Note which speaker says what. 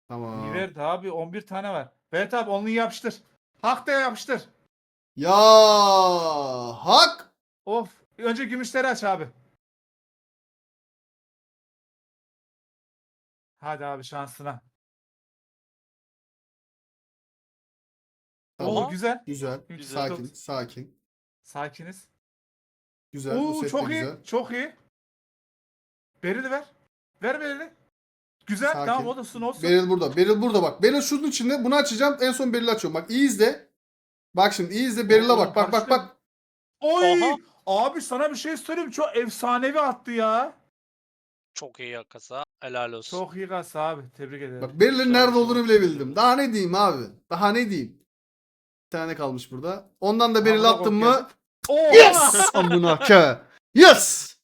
Speaker 1: Tamam.
Speaker 2: verdi abi 11 tane var. Evet abi onluyu yapıştır. Hak da yapıştır.
Speaker 1: Ya hak.
Speaker 2: Of. Önce gümüşleri aç abi. Hadi abi şansına.
Speaker 1: Tamam.
Speaker 2: Oo güzel.
Speaker 1: Güzel.
Speaker 3: Güzel.
Speaker 1: Sakin. Sakin.
Speaker 2: Sakiniz.
Speaker 1: Güzel. Bu
Speaker 2: Oo
Speaker 1: set de
Speaker 2: çok iyi.
Speaker 1: güzel.
Speaker 2: Çok iyi. Berili ver. Ver berili. Güzel.
Speaker 1: Sakin.
Speaker 2: Tamam olsun olsun.
Speaker 1: Beril burada. Beril burada bak. Beril şunun içinde. Bunu açacağım. En son Beril'i açıyorum. Bak iyi izle. Bak şimdi iyi izle. Beril'e bak. Bak bak bak.
Speaker 2: Oy!
Speaker 3: Aha.
Speaker 2: Abi sana bir şey söyleyeyim. Çok efsanevi attı ya.
Speaker 3: Çok iyi yakasa. Helal olsun.
Speaker 2: Çok iyi kasa abi. Tebrik ederim.
Speaker 1: Bak Beril'in
Speaker 3: Güzel,
Speaker 1: nerede
Speaker 3: güzel.
Speaker 1: olduğunu bile bildim. Daha ne diyeyim abi? Daha ne diyeyim? Bir tane kalmış burada. Ondan da Beril
Speaker 2: Amına
Speaker 1: attım
Speaker 2: koyayım.
Speaker 1: mı?
Speaker 2: Oo!
Speaker 1: Yes! Amına ke. Yes!